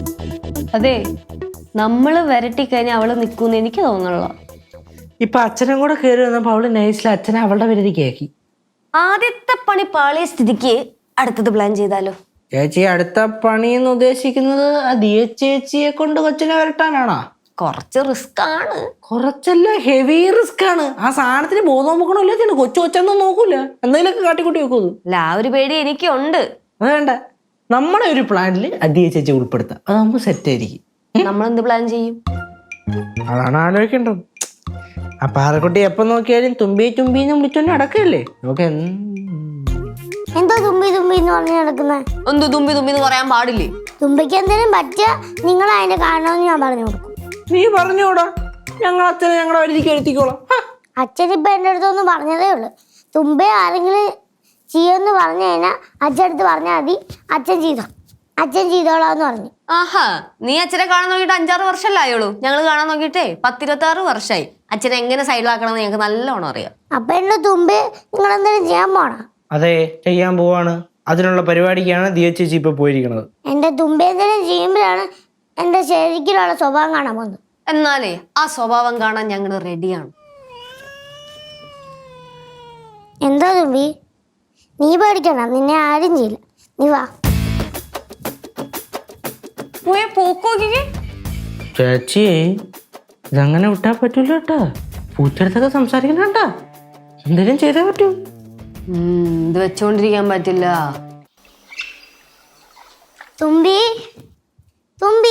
അതെ, നമ്മള് വരട്ടി കഴിഞ്ഞാൽ അവള് നിക്കൂന്ന് എനിക്ക് തോന്നുന്നില്ല. ഇപ്പൊ അച്ഛനും കൂടെ കയറി വന്നപ്പോ അവള് നൈസിൽ അച്ഛനെ അവളുടെ പരിധിക്ക് ആക്കി. ആദ്യത്തെ പണി പാളിയ സ്ഥിതിക്ക് അടുത്തത് പ്ലാൻ ചെയ്താലോ? ചേച്ചി അടുത്ത പണി എന്ന് ഉദ്ദേശിക്കുന്നത് ആ ദിയ ചേച്ചിയെ കൊണ്ട് കൊച്ചിനെ വരട്ടാനാണോ? കുറച്ച് റിസ്ക് ആണ്. കുറച്ചല്ല, ഹെവി റിസ്ക് ആണ്. ആ സാധനത്തിന് ബോധം നോക്കണല്ലോ. കൊച്ചു കൊച്ചൊന്നും നോക്കൂല, എന്തെങ്കിലുമൊക്കെ കാട്ടിക്കൂട്ടി വെക്കുന്നു. അല്ല, ആ ഒരു പേടി എനിക്കുണ്ട്. അത് വേണ്ട, നമ്മുടെ ഒരു പ്ലാനിൽ ദിയ ചേച്ചി ഉൾപ്പെടുത്താം. അതാകുമ്പോ സെറ്റ് ആയിരിക്കും. നമ്മളെന്ത് പ്ലാൻ ചെയ്യും? അതാണ് ആലോചിക്കേണ്ടത്. ആ പാറക്കുട്ടി എപ്പം നോക്കിയാലും തുമ്പി തുമ്പിന്ന് വിളിച്ചോണ്ട് നടക്കല്ലേ. നമുക്ക് എന്തോ തുമ്പി തുമ്പി എന്ന് പറഞ്ഞു നടക്കുന്നത്? എന്ത് തുമ്പി തുമ്പി എന്ന് പറയാൻ പാടില്ലേ? തുമ്പിക്ക് എന്തെങ്കിലും പറ്റിയ നിങ്ങൾ അതിന്റെ കാരണമെന്ന് ഞാൻ പറഞ്ഞു കൊടുക്കും. നീ പറഞ്ഞോടാ, ഞങ്ങൾ അച്ഛനെ ഞങ്ങളുടെ വരിക്ക് വരുത്തിക്കോളാം. അച്ഛൻ ഇപ്പൊ എന്റെ അടുത്തൊന്ന് പറഞ്ഞതേ ഉള്ളു. തുമ്പെ ആരെങ്കിലും ചെയ്യുമെന്ന് പറഞ്ഞു കഴിഞ്ഞാൽ അച്ഛനടുത്ത് പറഞ്ഞാൽ മതി, അച്ഛൻ ചെയ്തോളാന്ന് പറഞ്ഞു. ആഹാ, നീ അച്ഛനെ കാണാൻ നോക്കിയിട്ട് 5-6 വർഷമല്ലേ ആയുള്ളൂ. ഞങ്ങൾ കാണാൻ നോക്കിയിട്ടേ 10-26 വർഷമായി. അച്ഛനെ എങ്ങനെ സൈഡിലാക്കണമെന്ന് ഞങ്ങൾക്ക് നല്ലോണം അറിയാം. അപ്പൊ എന്റെ തുമ്പെ നിങ്ങൾ എന്തെങ്കിലും ചെയ്യാൻ പോണോ? അതെ, ചെയ്യാൻ പോവാണ്. അതിനുള്ള പരിപാടിക്കാണ് ദിയ ചേച്ചി ഇപ്പൊ പോയിരിക്കുന്നത്. എന്റെ തുമ്പെ എന്തെങ്കിലും ചെയ്യുമ്പോഴാണ് എന്റെ ശരിക്കുള്ള സ്വഭാവം കാണാൻ പോകുന്നത്. എന്നാലേ ആ സ്വഭാവം കാണാൻ ഞങ്ങൾ റെഡിയാണ്. എന്താ തുമ്പി, നീ പേടിക്കണം, നിന്നെ ആരും ചെയ്യില്ല. നീ വാ. ചേച്ചി ഇതങ്ങനെ വിട്ടാ പറ്റൂല കേട്ടാ. പൂച്ചെടുത്തൊക്കെ സംസാരിക്കണ കേട്ടാ. എന്തെങ്കിലും ചെയ്തേ പറ്റൂ. ഇത് വെച്ചോണ്ടിരിക്കാൻ പറ്റില്ല. തുമ്പി തുമ്പി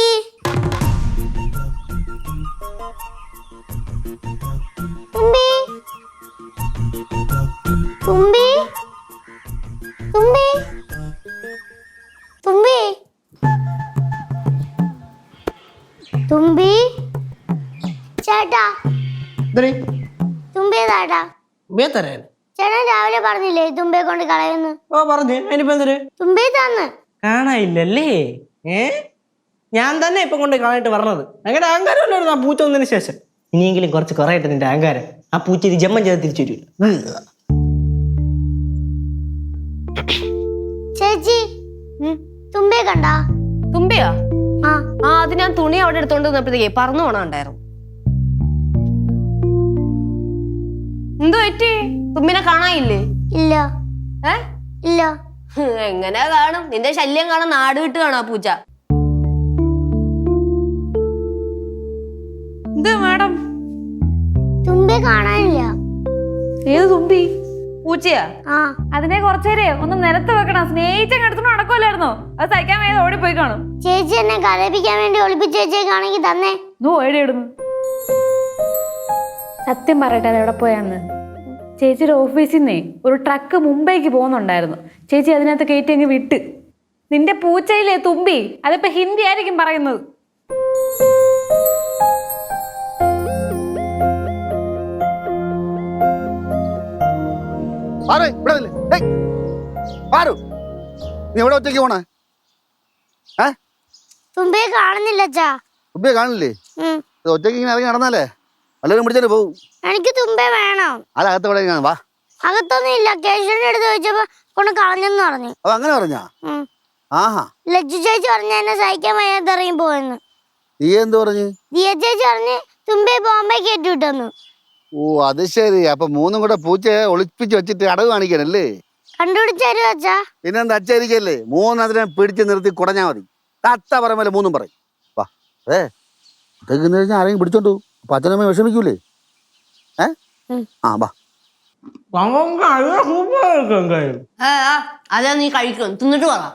തുമ്പി തുമ്പി തുമ്പി തുമ്പി തുമ്പി ചേട്ടാ, തുമ്പി ചേട്ടാ. ചേട്ടൻ രാവിലെ പറഞ്ഞില്ലേ തുമ്പയെ കൊണ്ട് കളയുന്നു? ഓ പറഞ്ഞു. അതിനിപ്പോ എന്തൊരു തുമ്പി തന്ന് കാണായില്ലല്ലേ? ഞാൻ തന്നെ ഇപ്പൊ കൊണ്ട് കളയിട്ട് പറഞ്ഞത്. അങ്ങനെ അഹങ്കാരം ഉണ്ടായിരുന്നു ആ പൂച്ച വന്നതിന് ശേഷം. ഇനിയെങ്കിലും കുറച്ച് കുറയട്ടെ നിന്റെ അഹങ്കാരം. ആ പൂച്ച ഇത് ജമ്മം ചെയ്ത് തിരിച്ചു വരില്ല. ചേച്ചി, തുമ്പയെ കണ്ടാ? തുമ്പിയാ? ആ, അത് ഞാൻ തുണി അവിടെ എടുത്തോണ്ട് വന്നപ്പോഴത്തേക്കേ പറന്നു പോണുണ്ടായിരുന്നു. എന്തു പറ്റി? തുമ്പിനെ കാണാനില്ലേ? ഇല്ല ഇല്ല. എങ്ങനെ കാണും? നിന്റെ ശല്യം കാണാൻ നാട് വിട്ട് കാണാ പൂച്ച. എന്ത് മാഡം? തുമ്പയെ കാണാനില്ല. ഏത് തുമ്പി? പൂച്ചയാ? ആ, അതിനെ കുറച്ചേരെ ഒന്ന് നിലത്ത് വെക്കണം. സ്നേഹിച്ചെടുത്തോണ്ട് നടക്കുമല്ലായിരുന്നോ? അത് സഹിക്കാൻ വേണ്ടി ഓടിപ്പോയി കാണും. ചേച്ചി എന്നെ കരയിപ്പിക്കാൻ വേണ്ടി ഒളിപ്പിച്ച് വെച്ചേക്കാണെങ്കിൽ തന്നെ. എവിടെയിടുന്നു? സത്യം പറയട്ടെ, അത് എവിടെ പോയാന്ന്? ചേച്ചിയുടെ ഓഫീസിൽ നിന്നേ ഒരു ട്രക്ക് മുംബൈക്ക് പോകുന്നുണ്ടായിരുന്നു. ചേച്ചി അതിനകത്ത് കയറ്റി അങ്ങ് വിട്ട്. നിന്റെ പൂച്ചയിലെ തുമ്പി, അതിപ്പോ ഹിന്ദി ആയിരിക്കും പറയുന്നത്. നീ എവിടെ ഒറ്റയ്ക്ക് പോണേ? തുമ്പയെ കാണുന്നില്ല അച്ഛാ. തുമ്പിയെ കാണില്ലേ? ഒറ്റയ്ക്ക് ഇങ്ങനെ ഇറങ്ങി നടന്നാലേ വല്ലവരും പിടിച്ചാലേ പോവും. എനിക്ക് തുമ്പെ വേണം. അകത്ത് ഇവിടെ വാ. അകത്തൊന്നും ഇല്ല. കേശവന്റെ അടുത്ത് ചോദിച്ചപ്പോ കൊണ്ട് കളഞ്ഞെന്ന് പറഞ്ഞു. അപ്പൊ അങ്ങനെ പറഞ്ഞാ? ആഹാ, ലജ്ജു ചേച്ചി പറഞ്ഞ എന്നെ സഹിക്കാൻ വയ്യാതെ ഇറങ്ങി പോയെന്ന്. നീ എന്ത് പറഞ്ഞു? ദിയ ചേച്ചി പറഞ്ഞ് തുമ്പയെ ബോംബെ കയറ്റി വിട്ടെന്ന്. ഓ അത് ശരി. അപ്പൊ മൂന്നും കൂടെ പൂച്ചയെ ഒളിപ്പിച്ച് വെച്ചിട്ട് അടവ് കാണിക്കാനല്ലേ? കണ്ടുപിടിച്ചു അച്ഛാ. പിന്നെന്താ അച്ഛായിരിക്കല്ലേ? മൂന്നതിനെ പിടിച്ച് നിർത്തി കുടഞ്ഞാ മതി. തത്ത പറയുമ്പോൾ മൂന്നും പറയും. വാ. ഇതൊക്കെ കഴിഞ്ഞാൽ ആരെങ്കിലും പിടിച്ചോണ്ടു. അപ്പൊ അച്ഛനമ്മ വിഷമിക്കൂലേ? ആ വാ. അതാ നീ കഴിക്കും, തിന്നിട്ട് പറ.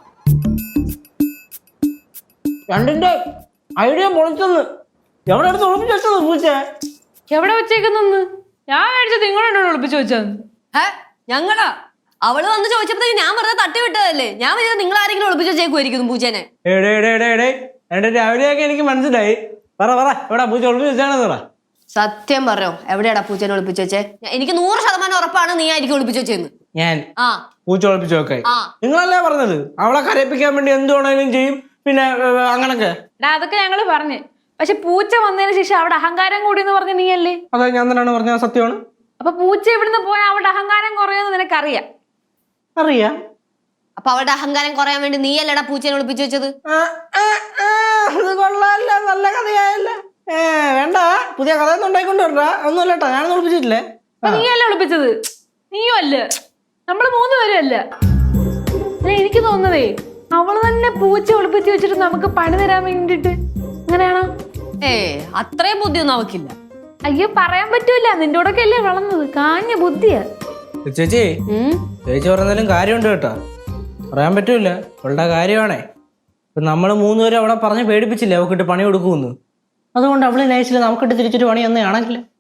രണ്ടിന്റെ ഐഡിയ പൊളിച്ചെന്ന്. എവിടെ അടുത്ത് ഒളിപ്പിച്ച് വെച്ചത് പൂച്ച? എവിടെ വെച്ചേക്കുന്നെന്ന്? ഞാൻ മേടിച്ചത് നിങ്ങളോട് ഒളിപ്പിച്ചു വെച്ചത്. ഞങ്ങളാ? അവള് വന്ന് ചോദിച്ചപ്പോഴത്തേക്ക് ഞാൻ വെറുതെ തട്ടി വിട്ടതല്ലേ. ഞാൻ വിചാരിച്ചു നിങ്ങൾ ആരെങ്കിലും ഒളിപ്പിച്ച് വെച്ചേക്കുമായിരിക്കുന്നു പൂച്ചേനെ. എന്റെ രാവിലെയൊക്കെ എനിക്ക് മനസ്സിലായി. പറ എവിടെ പൂച്ച ഒളിപ്പിച്ച് വെച്ചാണെന്ന് പറ. സത്യം പറയോ, എവിടെയാടാ പൂച്ചേനെ ഒളിപ്പിച്ച് വെച്ചേ? എനിക്ക് 100% ഉറപ്പാണ് നീ ആയിരിക്കും ഒളിപ്പിച്ച് വെച്ചെന്ന്. ഞാൻ പൂച്ച ഒളിപ്പിച്ച് വെക്കായി? നിങ്ങളല്ലേ പറഞ്ഞത് അവളെ കരയിപ്പിക്കാൻ വേണ്ടി എന്ത് വേണേലും ചെയ്യും, പിന്നെ അങ്ങനൊക്കെ. അതൊക്കെ ഞങ്ങള് പറഞ്ഞു. പക്ഷെ പൂച്ച വന്നതിന് ശേഷം അവിടെ അഹങ്കാരം കൂടി എന്ന് പറഞ്ഞ നീയല്ലേ? അതെ, ഞാൻ തന്നെയാണ് പറഞ്ഞത്. സത്യമാണ്. അപ്പൊ പൂച്ച ഇവിടുന്ന് പോയാൽ അവിടെ അഹങ്കാരം കുറയുമെന്ന് നിനക്കറിയാം? അറിയാം. അപ്പൊ അവളുടെ അഹങ്കാരം കുറയാൻ വേണ്ടി നീ അല്ലടാ പൂച്ചേനെ ഒളിപ്പിച്ചു വെച്ചത്. വേണ്ട, പുതിയ കഥയൊന്നും ഉണ്ടായിക്കൊണ്ട് വരണ്ട. ഒന്നുമല്ല കേട്ടോ, ഞാനൊന്നും ഒളിപ്പിച്ചിട്ടില്ലേ. അപ്പൊ നീയല്ല ഒളിപ്പിച്ചത്, നീയും അല്ല, നമ്മള് 3 പേരും അല്ല. എനിക്ക് തോന്നുന്നതേ അവള് തന്നെ പൂച്ച ഒളിപ്പിച്ച് വെച്ചിട്ട് നമുക്ക് പണി തരാൻ വേണ്ടിട്ട്. അങ്ങനെയാണോ? അത്രയും ബുദ്ധിയൊന്നും അവക്കില്ല. അയ്യോ, പറയാൻ പറ്റൂല, നിന്റെ കൂടെ അല്ലേ വളർന്നത്, കാഞ്ഞ ബുദ്ധിയാ. ചേച്ചി ചേച്ചി പറഞ്ഞാലും കാര്യമുണ്ട് കേട്ടോ, പറയാൻ പറ്റൂല, അവളുടെ കാര്യമാണേ. ഇപ്പൊ നമ്മള് 3 പേരും അവിടെ പറഞ്ഞ് പേടിപ്പിച്ചില്ലേ അവക്കിട്ട് പണി കൊടുക്കുമെന്ന്. അതുകൊണ്ട് അവള് നൈസിൽ നമുക്കിട്ട് തിരിച്ചൊരു പണി ഒന്നും ആണെങ്കില്